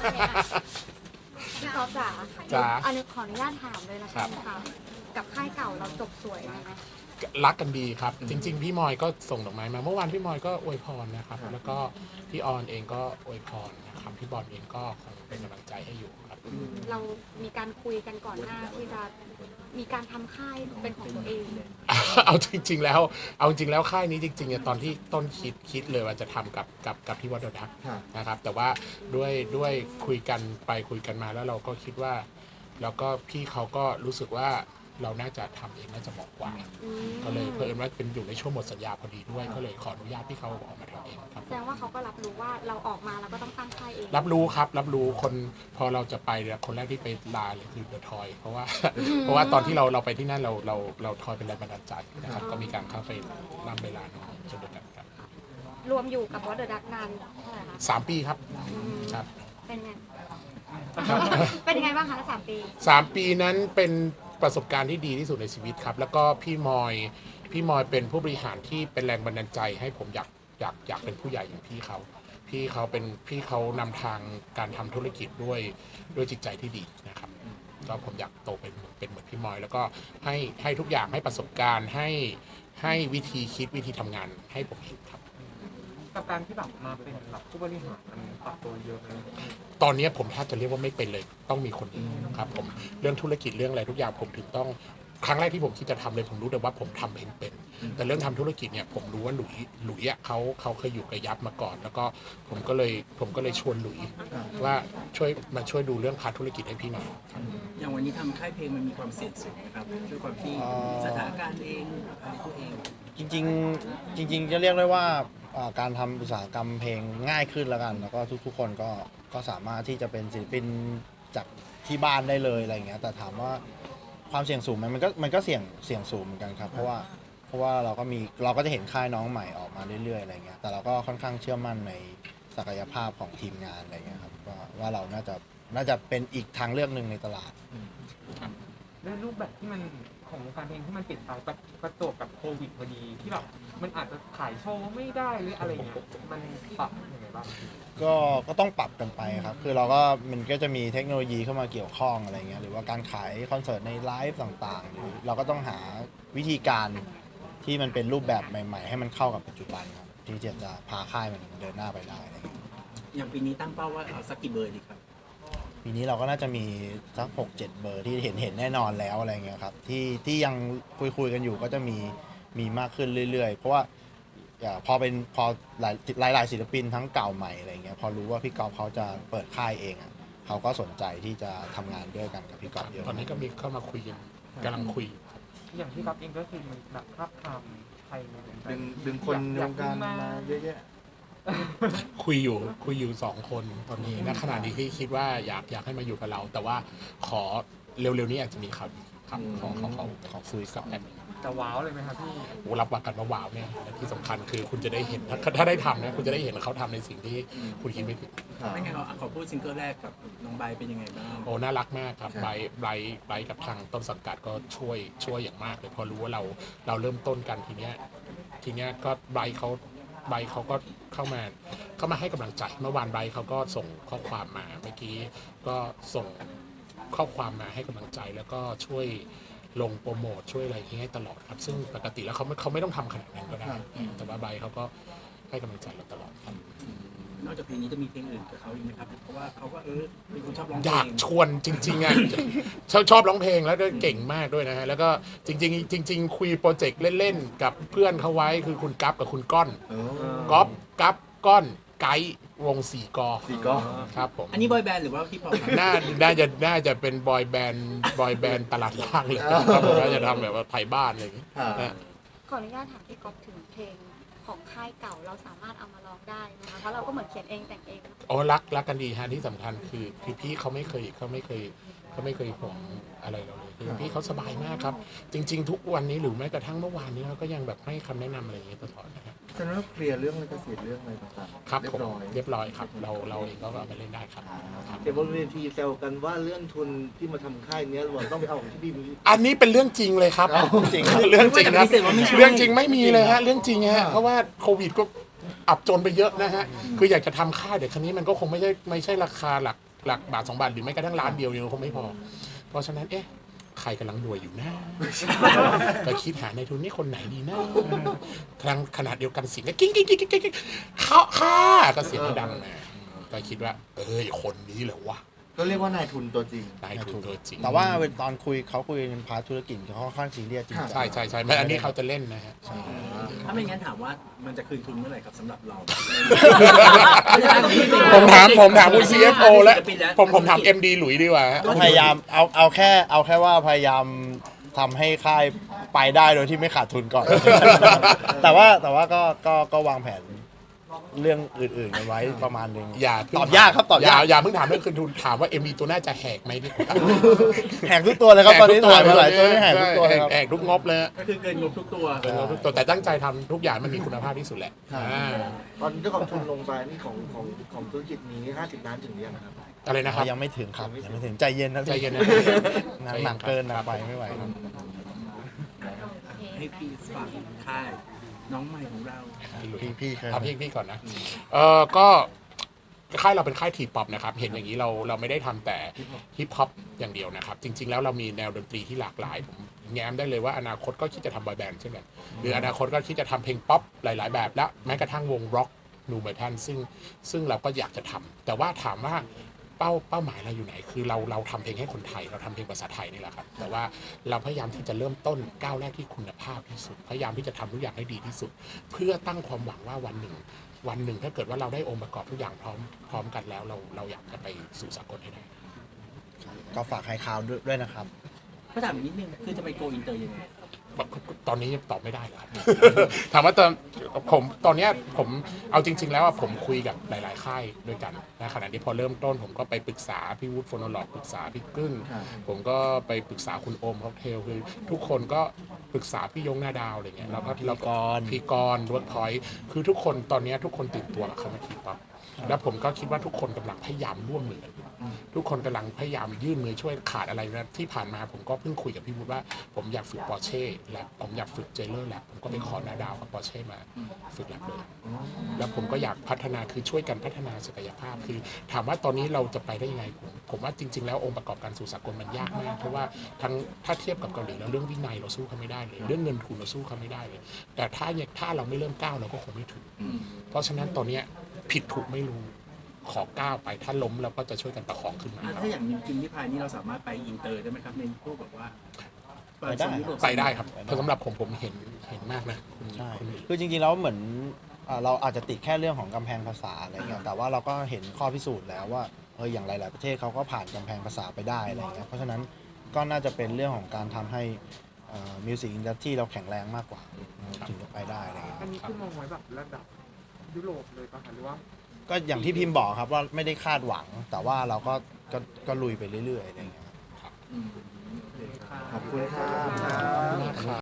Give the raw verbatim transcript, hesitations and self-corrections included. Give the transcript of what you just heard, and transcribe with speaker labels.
Speaker 1: พี่ก๊อฟจ๋า
Speaker 2: จ๋า
Speaker 1: อันนี้ขออนุญาตถามเลยนะคะค่ะกับค่ายเก่าเราจบสวยไหมคะ
Speaker 2: รักกันดีครับ จริง ๆ พี่มอยก็ส่งดอกไม้มาเมื่อวานพี่มอยก็อวยพรนะครับ แล้วก็พี่ออนเองก็อวยพรนะครับพี่บอลเองก็คงเป็นกำลังใจให้อยู่ครับ
Speaker 1: เรามีการคุยกันก่อนหน้าที่จะมีการทำค่ายเป็นของตัวเอง
Speaker 2: เอาจริง ๆ แล้วเอาจริงแล้วค่ายนี้จริงๆเนี่ยตอนที่ต้นคิดคิดเลยว่าจะทำกับกับกับพี่วัดเดอะดักนะครับแต่ว่าด้วยด้วยคุยกันไปคุยกันมาแล้วเราก็คิดว่าแล้วก็พี่เขาก็รู้สึกว่าเราน่าจะทำเองน่าจะเหมาะกว่าก็เลยเพิ่มว่าเป็นอยู่ในช่วงหมดสัญญาพอดีด้วยก็เลยขออนุญาตพี่เขาออกมาทำเองครับ
Speaker 1: แสดงว่าเขาก็รับรู้ว่าเราออกมาแล้วก็ต้องตั้งค่ายเอง
Speaker 2: รับรู้ครับรับรู้คนพอเราจะไปเนี่ยคนแรกที่ไปลาเลยคือเดอะทอยเพราะว่าเพราะว่าตอนที่เราเราไปที่นั่นเราเราเราทอยเป็นแรงบันดาลใจนะครับก็มีการเข้าไปนำเวลาน้องจนเดียวกันครับ
Speaker 1: รวมอยู่กับวอเดอร์ดักนานเท่าไหร่คะ
Speaker 2: สามปีครับครับ
Speaker 1: เป็นไงเป็นยังไงบ้างคะสามปี
Speaker 2: สามปีนั้นเป็นประสบการณ์ที่ดีที่สุดในชีวิตครับ แล้วก็พี่มอยพี่มอยเป็นผู้บริหารที่เป็นแรงบันดาลใจให้ผมอยากอยากอยากเป็นผู้ใหญ่อย่างพี่เขาพี่เขาเป็นพี่เขานำทางการทำธุรกิจด้วยด้วยจิตใจที่ดีนะครับก็ผมอยากโตเป็นเป็นเหมือนพี่มอย แล้วก็ให้ให้ทุกอย่างให้ประสบการณ์ให้ให้วิธีคิดวิธีทำงานให้ผมเห็นครับ
Speaker 3: กับการที่แบบมาเป็นแบบผู้บริหารมันปรับตัวเยอะเลย
Speaker 2: ตอนนี้ผมแทบจะเรียกว่าไม่เป็นเลยต้องมีคนอื่นครับผมเรื่องธุรกิจเรื่องอะไรทุกอย่างผมถึงต้องครั้งแรกที่ผมคิดจะทำเลยผมรู้แต่ว่าผมทำเองเป็นแต่เรื่องทำธุรกิจเนี่ยผมรู้ว่าหลุยหลุยอ่ะเขาเขาเคยอยู่กับยับมาก่อน แล้วก็ผมก็เลยผมก็เลยชวนหลุยว่าช่วยมาช่วยดูเรื่องพาร์ทธุรกิจให้พี่หน่อย
Speaker 4: อย่างวันนี้ทำค่ายเพลงมันมีความเสี่ยงสูงนะครับด้วยความที่สถานการณ์เองอะไรตัวเอง
Speaker 5: จริงๆจริงๆจะเรียกได้ว่าอ่าการทำอุตสาหกรรมเพลงง่ายขึ้นแล้วกัน แล้วก็ทุกๆคนก็ก็สามารถที่จะเป็นศิลปินจากที่บ้านได้เลยอะไรอย่างเงี้ยแต่ถามว่าความเสี่ยงสูงไหมมันก็มันก็เสี่ยงเสี่ยงสูงเหมือนกันครับเพราะว่าเพราะว่าเราก็มีเราก็จะเห็นค่ายน้องใหม่ออกมาเรื่อยๆอะไรเงี้ยแต่เราก็ค่อนข้างเชื่อมั่นในศักยภาพของทีมงานอะไรเงี้ยครับว่าว่าเราน่าจะน่าจะเป็นอีกทางเลือกหนึ่งในตลาด
Speaker 3: ด้วยรูปแบบที่มันของวงการเพลงที่มันเปลี่ยนไปประประจวบกับโควิดพอดีที่แบบมันอาจจะขายโชว์ไม่ได้หรืออะไรเงี้ยมันปรับยังไงบ้าง
Speaker 5: ก็ก็ต้องปรับกันไปครับ คือเราก็มันก็จะมีเทคโนโลยีเข้ามาเกี่ยวข้องอะไรเงี้ย หรือว่าการขายคอนเสิร์ตในไลฟ์ต่างๆ หรือเราก็ต้องหาวิธีการที่มันเป็นรูปแบบใหม่ๆ ให้มันเข้ากับปัจจุบันครับ ที่จะจะพาค่ายมันเดินหน้าไปได้อะไรเงี้ย
Speaker 4: อย่างปีนี้ตั้งเป้าว่าเอาสักกี่เบอร์ดีครับ
Speaker 5: ปีนี้เราก็น่าจะมีสักหกเจ็ดเบอร์ที่เห็นเห็นแน่นอนแล้วอะไรเงี้ยครับ ที่ที่ยังคุยคุยกันอยู่ก็จะมีมีมากขึ้นเรื่อยๆ เพราะว่าอ่าพอเป็นพอหลายหลายหลายศิลปินทั้งเก่าใหม่อะไรเงี้ยพอรู้ว่าพี่ก๊อฟเขาจะเปิดค่ายเองอ่ะเขาก็สนใจที่จะทำงานด้วยกันกับพี่ก๊อฟเยอะ
Speaker 2: ตอนนี้ก็มีเข้ามาคุยกันกำลังคุย
Speaker 3: อย่างที่รับเองก็คือมันแบบภาพทำไทยมัน
Speaker 6: ดึงดึงคนในวงการมาเยอะแยะ
Speaker 2: คุยอยู่คุยอยู่สองคนตอนนี้ณขณะนี้ที่คิดว่าอยากอยากให้มาอยู่กับเรา แต่ว่าขอเร็วๆนี้อาจจะมีข่าวดีครับขอขอขอขอคุยกับแอดมิน
Speaker 3: จะว้าวเลยไหมครับพี่
Speaker 2: โอ้รับวางกันว่าว้าวเนี่ยและที่สำคัญคือคุณจะได้เห็นถ้าถ้าได้ทำนะคุณจะได้เห็นเขาทำในสิ่งที่คุณคิดไม่ถึง
Speaker 4: ไม่งั้นเราขอพูดซิงเกิลแรกกับน้องใบเป็นยังไงบ้าง
Speaker 2: โอ้น่ารักมากครับไบร์ทไบร์ทไบร์ทกับทางต้นสังกัดก็ช่วยช่วยอย่างมากเลยพอรู้ว่าเราเราเริ่มต้นกันทีเนี้ยทีเนี้ยก็ไบร์ทเขาไบร์ทเขาก็เข้ามาเข้ามาให้กำลังใจเมื่อวานไบร์ทเขาก็ส่งข้อความมาเมื่อกี้ก็ส่งข้อความมาให้กำลังใจแล้วก็ช่วยลงโปรโมทช่วยอะไรอย่างเงี้ยให้ตลอดครับซึ่งปกติแล้วเขาไม่เขาไม่ต้องทำขนาดนั้นก็ได้ แต่ว่าไบร์ทเขาก็ให้กำลังใจเราตลอดครับ
Speaker 4: นอกจากเพลงนี้จะมีเพลงอื่นกับเขาอีกไหมครับ เพราะว่าเขาก็เออเป็นคนชอบร้องเพ
Speaker 2: อ
Speaker 4: ล
Speaker 2: ยาก
Speaker 4: ง
Speaker 2: ชวนจริงๆอ่ะ ชอบชอบร้องเพลงแล้วก็เก่งมากด้วยนะฮะแล้วก็จริงๆจริง ๆ คุยโปรเจกต์เล่นๆกับเพื่อนเขาไว้คือคุณกั๊บกับคุณก้อนก๊อฟกั๊บก้อนไกด์วงสี่กอ
Speaker 6: สี่กอ
Speaker 2: ครับผม
Speaker 4: อันนี้บอยแบนด์หรือว่าพี่ปอครับ
Speaker 2: น่าน่าจะน่าจะเป็นบอยแบนด์บอยแบนด์ตลาดล่างเลยครับผมน่าจะทำแบบว่าไทยบ้านอะไรอย่างเงี้ยนะ
Speaker 1: ขออนุญาตถามพี่ก๊อฟถึงเพลงของค่ายเก่าเราสามารถเอามาร้องได้นะคะเพราะเราก็เหมือนเขียนเองแต่งเอง
Speaker 2: โอ้รักรักกันดีฮะที่สำคัญคือคือพี่เขาไม่เคยเขาไม่เคยเขาไม่เคยห่วงอะไรเราเลยคือพี่เขาสบายมากครับ จริง ๆ ทุกวันนี้หรือแม้กระทั่งเมื่อวานนี้เขาก็ยังแบบให้คำแนะนำอะไรอย่างเงี้ยตลอดนะครับ
Speaker 6: ฉะนั้นเราเคลียร์เรื่องลิขสิทธิ์เรื่องอะไรต่างๆ
Speaker 2: ครับ
Speaker 6: เรีย
Speaker 2: ผม
Speaker 6: บร้อย
Speaker 2: เรียบร้อยครับเราเราเองก็เอาไปเล่นได้ครับครับ
Speaker 7: เดี๋ยวบนเวทีแซวกันว่าเรื่องทุนที่มาทำค่ายเนี้ยเราต้องไปเอาของที่บีมี
Speaker 2: อันนี้เป็นเรื่องจริงเลยครับ
Speaker 5: จริงครับ
Speaker 2: เรื่องจริงครับ
Speaker 4: ไม่แต่ปฏิเสธว่าไม่ใช่
Speaker 2: เรื่องจริงไม่มีเลยฮะเรื่องจริงฮะเพราะว่าโควิดก็อับจนไปเยอะนะฮะคืออยากจะทำค่ายแต่ครั้นี้มันก็คงไม่ใช่ไม่ใช่ราคาหลักหลักบาทสองบาทหรือไม่กระทั่งล้านเดียวเนี่ยคงไม่พอ เพราะฉะนั้นเอ๊ะใครกำลังรวยอยู่นะ ก็คิดหาในทุนนี่คนไหนดีนะทางขนาดเดียวกันเสียงก็กิ้งกิ้งกิ้งกิ้งกิ้งเขาค่าก็เสียงก็ดังมาก็คิดว่า เอ้ยคนนี้เหรอวะ
Speaker 6: ก็เรียกว่านายทุนตัวจริง
Speaker 2: นายทุนตัวจริง
Speaker 5: แต่ว่าตอนคุยเขาคุยในพาร์ทธุรกิจเขาค่อนข้างซีเรียสจริงจัง
Speaker 2: ใช่ใช่ใช่ไม่อันนี้เขาจะเล่นนะฮะ
Speaker 4: ถ้าไม่งั้นถามว่ามันจะคืนทุนเมื่อไหร่ครับสำหรับเรา
Speaker 2: ผมถามผมถามคุณ ซี เอฟ โอ แล้วผมผมถาม เอ็ม ดี หลุยดีกว่าฮะ
Speaker 5: ก็พยายามเอาเอาแค่เอาแค่ว่าพยายามทำให้ค่ายไปได้โดยที่ไม่ขาดทุนก่อน แต่ว่าแต่ว่าก็ก็ก็วางแผนเรื่องอื่นๆกันไว้ประมาณหนึง
Speaker 2: อย่าเพิ่ง
Speaker 5: ตอบยากครับตอบยาก
Speaker 2: อย่าเพิ่งถามเรื่องคืนทุนถามว่า เอ็ม ดี ตัวน่าจะแหกไหมดีกว่า
Speaker 5: แหกทุกตัวเลยครับตอนนี้ถ่ายมาหลายตัวนี่แหกทุกตัวเลยครับ
Speaker 2: แหกทุกงบเลยฮะ
Speaker 4: ก็คือเกินงบทุกตัว
Speaker 2: เกินงบทุกตัวแต่ตั้งใจทำทุกอย่างมันมีคุณภาพที่สุดแหละ
Speaker 6: ครับ
Speaker 2: อ่า
Speaker 7: ตอนเจ้าของทุนลงไปนี่ของของของธุรกิจนี้ห้าสิบล้านถึงหรือยังครับ
Speaker 2: อะไรนะครับ
Speaker 5: ยังไม่ถึงครับยังไม่ถึงใจเย็นนะ
Speaker 2: ใจเย็นนะ
Speaker 5: หนักหนักเกินหนักไปไม่ไหวครับ
Speaker 4: ให้พี่ฝากค่ายน้องใหม่ของเรา
Speaker 5: พี่พี่เคย
Speaker 2: เอาพี่พี่ก่อนนะ เออก็ค่ายเราเป็นค่ายทีป๊อปนะครับ เห็นอย่างนี้เราเราไม่ได้ทำแต่ฮิปฮอปอย่างเดียวนะครับ จริง ๆ แล้วเรามีแนวดนตรีที่หลากหลาย ผมแง้มได้เลยว่าอนาคตก็คิดจะทำบอยแบนด์เช่นกันหรืออนาคตก็คิดจะทำเพลงป๊อปหลาย ๆ แบบและแม้กระทั่งวงร็อกนูเมทัลซึ่งซึ่งเราก็อยากจะทำแต่ว่าถามว่าเป้าเป้าหมายเราอยู่ไหน คือเราเราทำเพลงให้คนไทยเราทำเพลงภาษาไทยนี่แหละครับแต่ว่าเราพยายามที่จะเริ่มต้นก้าวแรกที่คุณภาพที่สุด พยายามที่จะทำทุกอย่างให้ดีที่สุด เพื่อตั้งความหวังว่าวันหนึ่ง วันหนึ่งถ้าเกิดว่าเราได้องค์ประกอบทุกอย่างพร้อมพร้อมกันแล้วเราเราอยากจะไปสู่สากลให้ได้
Speaker 5: ก็ฝากให้ข่าวด้วยนะครับ
Speaker 4: ก็ถามอีกนิดนึงคือจะไปโกอินเตอร์ยังไง
Speaker 2: ตอนนี้ตอบไม่ได้เลยครับ ถามว่าตอนผมตอนเนี้ยผมเอาจริง ๆ แล้วอะผมคุยกับหลาย ๆ ค่ายด้วยกันนะขณะที่พอเริ่มต้น ผมก็ไปปรึกษาพี่วูดโฟโนโลกปรึกษาพี่กึ้ง
Speaker 6: ครับ
Speaker 2: ผมก็ไปปรึกษาคุณโอมค็อกเทลคือทุกคนก็ปรึกษาพี่ยงหน้าดาวอะไรเงี้ยแล้วก็เรา
Speaker 5: พี่กรณ์
Speaker 2: พี่กรณ์เวิร์กพอยต์คือทุกคนตอนเนี้ยทุกคนตื่นตัวกับคำว่าทีป๊อปแล้วผมก็คิดว่าทุกคนกำลังพยายามร่วมมือกันอยู่ทุกคนกำลังพยายามยื่นมือช่วยขาดอะไรนะที่ผ่านมาผมก็เพิ่งคุยกับพี่วูดว่าผมอยากฝึกปอร์เช่และผมอยากฝึกเจเลอร์แลบผมก็ไปขอหน้าดาวกับปอร์เช่มาฝึกแลบเลย แล้วผมก็อยากพัฒนาคือช่วยกันพัฒนาศักยภาพคือถามว่าตอนนี้เราจะไปได้ยังไงผมผมว่าจริง ๆ แล้วองค์ประกอบการสู่สากลมันยากมากเพราะว่าทั้งถ้าเทียบกับเกาหลีแล้วเรื่องวินัยเราสู้เขาไม่ได้เลย เรื่องเงินทุนเราสู้เขาไม่ได้เลย แต่ถ้าเนี่ยถ้าเราไม่เริ่มก้าวเราก็คงไม่ถึง เพราะฉะนั้นตอนเนี้ยผิดถูกไม่รู้ขอก้าวไปถ้าล้มเราก็จะช่วยกันประคองขึ้นมา
Speaker 4: อ่ะถ้าอย่างจริงๆที่พายนี่เราสามารถไปอินเตอร์ได้ไหมครับในพวกแบบว่า
Speaker 5: ไปได้
Speaker 2: ไปได้ครับเพราะสำหรับผมผมเห็นเห็นมากนะคุณ
Speaker 5: ใช่
Speaker 2: คุณหมี
Speaker 5: คือจริงๆแล้วเหมือนอ่าเราอาจจะติดแค่เรื่องของกำแพงภาษาอะไรเงี้ยแต่ว่าเราก็เห็นข้อพิสูจน์แล้วว่าเอออย่างหลาย ๆ ประเทศเขาก็ผ่านกำแพงภาษาไปได้อะไรเงี้ยเพราะฉะนั้นก็น่าจะเป็นเรื่องของการทำให้มิวสิกอินดัสทรีเราแข็งแรงมากกว่าถึงจะไปได้อะไรเงี้ย
Speaker 3: อันนี้คือมองไว้แบบระดับยุโรปเลยป่ะคะหรือว่า
Speaker 5: ก็อย่างที่พิมพ์บอกครับว่าไม่ได้คาดหวัง แต่ว่าเราก็ก็ก็ลุยไปเรื่อยๆอะไรเงี้ยครับ
Speaker 4: อืม
Speaker 6: ขอบคุณครับ